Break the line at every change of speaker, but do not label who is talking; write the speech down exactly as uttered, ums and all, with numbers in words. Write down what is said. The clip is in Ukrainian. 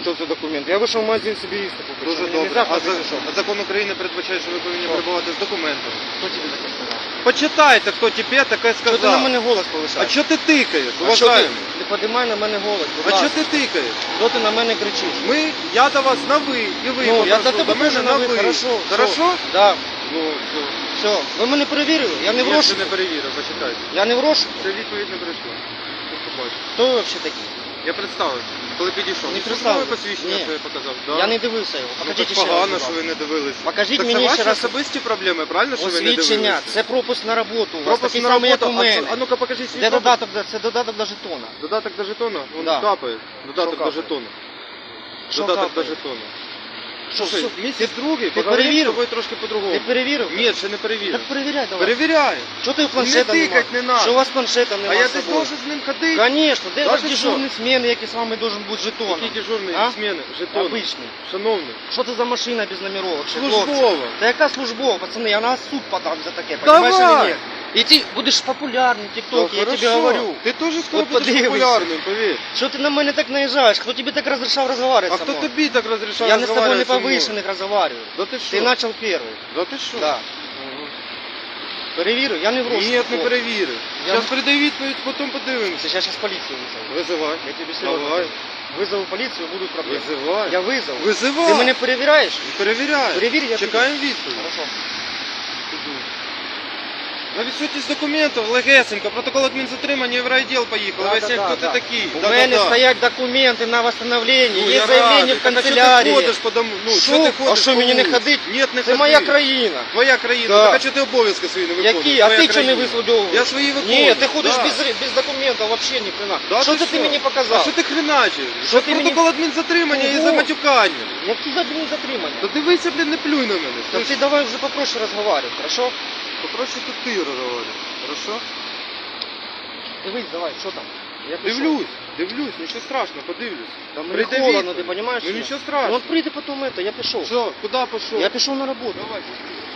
Що це документ? Я вийшов в магазин собі їсти купити.
Дуже
Мені
добре.
нельзя
А,
ходити,
за-
що?
а закон України передбачає, що ви повинні
Що?
перебувати з документами.
Хто тобі таке сказав?
Почитайте, хто тебе таке
Що ти на
сказав.
мене голос
А
повишаєш?
що ти тикаєш,
А що ти?
уважаємий?
Не підіймай на мене голос, будь
А що
ласка.
ти тикаєш?
Що ти на мене кричиш?
Ми, я до вас на ви, і ви
Ну, я
попрошу
до тебе
мене
теж на ви, хорошо.
Хорошо?
Да.
Ну, все.
Все, ви мене перевірили? Я не в
Я ще
розшуку.
не перевірив, почитайте.
Я не в розшуку.
Це відповідь не прийшла. Тут побачиш.
Хто ви взагалі такий?
Я представився, коли підійшов.
Не
Службове
представився.
посвідчення
Ні.
своє показав. Да.
Я не дивився його.
Ну,
Покажіть
так
ще раз.
погано,
будь
що
ласка.
ви не дивилися.
Покажіть
так
мені
це ваші
ще раз.
особисті проблеми, правильно, що ви не
Освідчення,
дивилися?
це пропуск на роботу. У вас
Пропуск
такий
на
самий, як
роботу.
у
А,
мене.
що- а ну-ка покажіть свій
Де
пропуск.
додаток, до- це додаток до жетона.
Додаток до жетона? Вон
Да.
капає. Додаток
Що
до
капає?
жетона.
Що
Додаток до
капає?
жетона.
Що,
Слушай,
що?
місяць другий,
ти
поговоримо з
перевірив?
тобою трошки по-другому.
Ти перевірив?
Ні, ще не перевірив.
Так перевіряй давай.
Перевіряю.
Що ти в планшета
Не
нема?
тикать не надо.
Що у вас планшета
А
нема
я
з
десь
собою?
должен з ним ходити.
Конечно, де
Да
ваш
ти
дежурний зміни, який з вами должен бути жетон?
Які дежурні
А?
зміни? Жетон.
Обичний.
Шановний.
Що це за машина без номеровок? Ще, хлопці?
Службова.
Та яка службова, пацани, я на суд подам за таке,
Давай.
понимаешь или нет? И ты будешь популярным в ТикТоке, я тебе говорю.
Ти теж скоро
От
будеш
подивися.
популярним, повір.
Що ти на мене так наїжджаєш? Хто тобі так розрішав розмовляти
А
со
хто
мною?
тобі так розрішав
Я не з тобою не
розмовляти зі мною?
повышенных разговариваю.
Да ти що?
Ты начал первый.
Да ти що?
Да. Перевірю, я не в розшуку.
Ні, не
хлопці.
перевірив.
Я
Зараз
не-
передай відповідь, потім подивимося.
Я сейчас полицию вызову.
Визивай.
Я тебе серьезно
Давай.
говорю. Вызову полицию, будут проблемы.
Визивай.
Я вызову.
Визивай.
Ти мене перевіряєш?
Перевіряю.
Перевір, я
Чекаємо відповідь.
Хорошо.
На відсутність документів, легесенько, протокол адмінзатримання і в райділ поїхали.
Да,
Ви
да,
всі,
да,
хто
да.
ти такий?
У
Да,
мене
да, да.
стоять документи на восстановлення,
Ну,
є
я
заявлення
радий.
в
Так, а
канцелярії.
що ти ходиш по дому? Ну,
Що?
що ти
А
ходиш
що,
по
мені не
вулиці?
ходить?
Ні, не
Це
ходи.
моя країна.
Твоя країна.
Да.
Так а чого ти обов'язки свої не виконуєш?
Які? А
Твоя
ти чого не
країна.
висвідовуєш?
Я свої виконую.
Ні, ти ходиш
Да.
без, без документів, взагалі ні хрена.
Да,
Що це ти мені
А
показав?
що ти хреначиш?
Що ти мені-
Протокол адмінзатримання і
Ого.
за матюкання.
Які за блін затримання?
То дивися, блін, не плюй на мене.
Так ти давай вже попроще розговаривай, хорошо?
Попроще тут ти розговориш. Хорошо?
Дивись, давай, що там? Я пішов.
Дивлюсь, дивлюсь, нічого страшного, подивлюсь.
Та мені
Прийде
холодно,
відповідь.
ти розумієш?
Ну нічого страшного.
Ну от прийди потім это, я пішов.
Все, куди пішов?
Я пішов на роботу.
Давай,